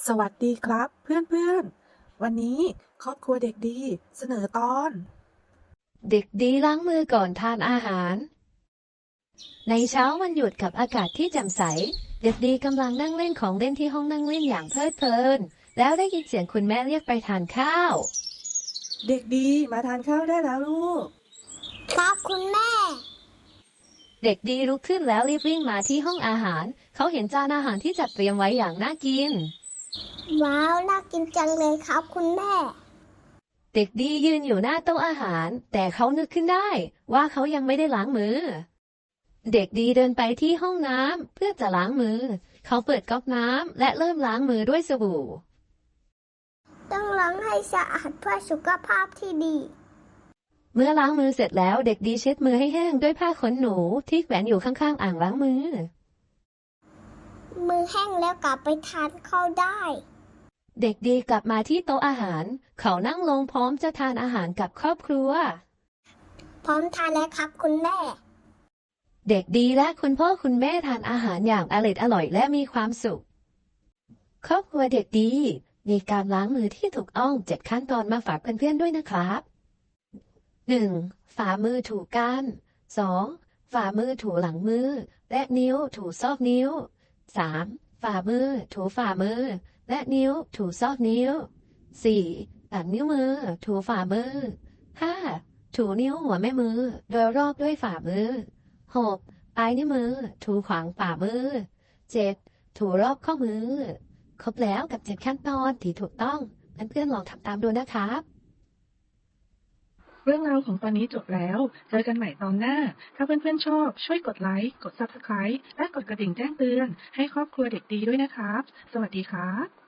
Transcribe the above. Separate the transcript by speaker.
Speaker 1: สวัสดีครับเพื่อนๆวันนี้ครอบครัวเด็กดีเสนอตอน
Speaker 2: เด็กดีล้างมือก่อนทานอาหาร ในเช้าวันหยุดกับอากาศที่แจ่มใส เด็กดีกำลังนั่งเล่นของเล่นที่ห้องนั่งเล่นอย่างเพลิดเพลิน แล้วได้ยินเสียงคุณแม่เรียกไปทานข้าว
Speaker 1: เด็กดีมาทานข้าวได้แล้วลูก
Speaker 3: ครับคุณแม่
Speaker 2: เด็กดีลุกขึ้นแล้วรีบวิ่งมาที่ห้องอาหาร เขาเห็นจานอาหารที่จัดเตรียมไว้อย่างน่ากิน
Speaker 3: ว้าว น่ากินจังเลยครับคุณแม่
Speaker 2: เด็กดียืนอยู่หน้าโต๊ะอาหาร แต่เขานึกขึ้นได้ว่าเขายังไม่ได้ล้างมือ เด็กดีเดินไปที่ห้องน้ำเพื่อจะล้างมือ เขาเปิดก๊อกน้ำและเริ่มล้างมือด้วยสบู่
Speaker 3: ต้องล้างให้สะอาดเพื่อสุขภาพที่ดี
Speaker 2: เมื่อล้างมือเสร็จแล้วเด็กดีเช็ดมือให้แห้งด้วยผ้าขนหนูที่แขวนอยู่ข้างๆอ่างล้างมือ
Speaker 3: มือแห้งแล้วกลับไปทานข้าวได้
Speaker 2: เด็กดีกลับมาที่โต๊ะอาหาร เขานั่งลงพร้อมจะทานอาหารกับครอบครัว
Speaker 3: พร้อมทานแล้วครับคุณแม่
Speaker 2: เด็กดีและคุณพ่อคุณแม่ทานอาหารอย่างอร่อยและมีความสุข ครอบครัวเด็กดีมีการล้างมือที่ถูกต้อง7ขั้นตอนมาฝากเพื่อนๆด้วยนะครับ 1. ฝ่ามือถูกัน 2. ฝ่ามือถูหลังมือ และนิ้วถูซอกนิ้ว 3. ฝ่ามือถูฝ่ามือ และนิ้วถูซอกนิ้ว 4. ตัดนิ้วมือถูฝ่ามือ 5. ถูนิ้วหัวแม่มือโดยรอบด้วยฝ่ามือ 6. ปลายนิ้วมือถูขวางฝ่ามือ 7. ถูรอบข้อมือ ครบแล้วกับ7ขั้นตอนที่ถูกต้องเพื่อนๆลองทำตามดูนะครับ
Speaker 1: เรื่องราวของตอนนี้จบแล้วเจอกันใหม่ตอนหน้าถ้าเพื่อนๆชอบช่วยกดไลค์กด Subscribe และกดกระดิ่งแจ้งเตือนให้ครอบครัวเด็กดีด้วยนะครับสวัสดีครับ